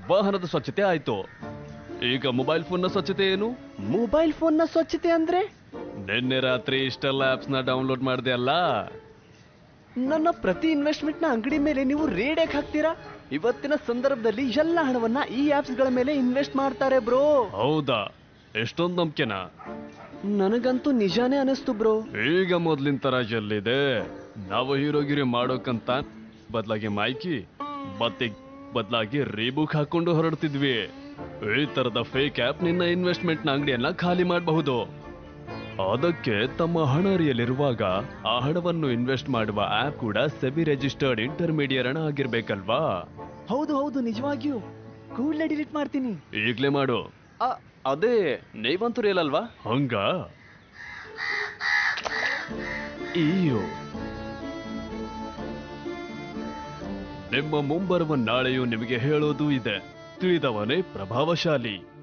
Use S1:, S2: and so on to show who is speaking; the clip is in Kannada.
S1: ವಾಹನದ ಸ್ವಚ್ಛತೆ ಆಯ್ತು. ಈಗ ಮೊಬೈಲ್ ಫೋನ್ನ ಸ್ವಚ್ಛತೆ ಏನು?
S2: ಮೊಬೈಲ್ ಫೋನ್ನ ಸ್ವಚ್ಛತೆ ಅಂದ್ರೆ?
S1: ನಿನ್ನೆ ರಾತ್ರಿ ಇಷ್ಟೆಲ್ಲ ಆಪ್ಸ್ ನ ಡೌನ್ಲೋಡ್ ಮಾಡಿದೆ ಅಲ್ಲ.
S2: ನನ್ನ ಪ್ರತಿ ಇನ್ವೆಸ್ಟ್ಮೆಂಟ್ ನ ಅಂಗಡಿ ಮೇಲೆ ನೀವು ರೇಡ್ ಹಾಕ್ತೀರಾ? ಇವತ್ತಿನ ಸಂದರ್ಭದಲ್ಲಿ ಎಲ್ಲ ಹಣವನ್ನ ಈ ಆಪ್ಸ್ ಗಳ ಮೇಲೆ ಇನ್ವೆಸ್ಟ್ ಮಾಡ್ತಾರೆ ಬ್ರೋ.
S1: ಹೌದಾ? ಎಷ್ಟೊಂದು ನಂಬಿಕೆನಾ?
S2: ನನಗಂತೂ ನಿಜಾನೇ ಅನಿಸ್ತು ಬ್ರೋ.
S1: ಈಗ ಮೊದ್ಲಿನ ತರ ಎಲ್ಲಿದೆ? ನಾವು ಹೀರೋಗಿರಿ ಮಾಡೋಕಂತ ಬದಲಾಗಿ ಮೈಕಿ ಮತ್ತೆ ಬದಲಾಗಿ ರೀಬುಕ್ ಹಾಕೊಂಡು ಹೊರಡ್ತಿದ್ವಿ. ಈ ತರದ ಫೇಕ್ ಆಪ್ ನಿನ್ನ ಇನ್ವೆಸ್ಟ್ಮೆಂಟ್ ನ ಅಂಗಡಿಯನ್ನ ಖಾಲಿ ಮಾಡಬಹುದು. ಅದಕ್ಕೆ ತಮ್ಮ ಹಣ ಅರಿಯಲಿರುವಾಗ ಆ ಹಣವನ್ನು ಇನ್ವೆಸ್ಟ್ ಮಾಡುವ ಆಪ್ ಕೂಡ ಸೆಬಿ ರಿಜಿಸ್ಟರ್ಡ್ ಇಂಟರ್ಮೀಡಿಯೇಟ್ ಆಗಿರ್ಬೇಕಲ್ವಾ?
S2: ಹೌದು ಹೌದು, ನಿಜವಾಗಿಯೂ. ಕೂಡಲೇ ಡಿಲೀಟ್ ಮಾಡ್ತೀನಿ.
S1: ಈಗ್ಲೇ ಮಾಡು.
S2: ಅದೇ ನೀವಂತೂ ಇಲ್ಲಲ್ವಾ?
S1: ಹಂಗ ಅಯ್ಯೋ, ನಿಮ್ಮ ಮುಂಬರುವ ನಾಳೆಯೂ ನಿಮಗೆ ಹೇಳೋದು ಇದೆ. ತಿಳಿದವನೇ ಪ್ರಭಾವಶಾಲಿ.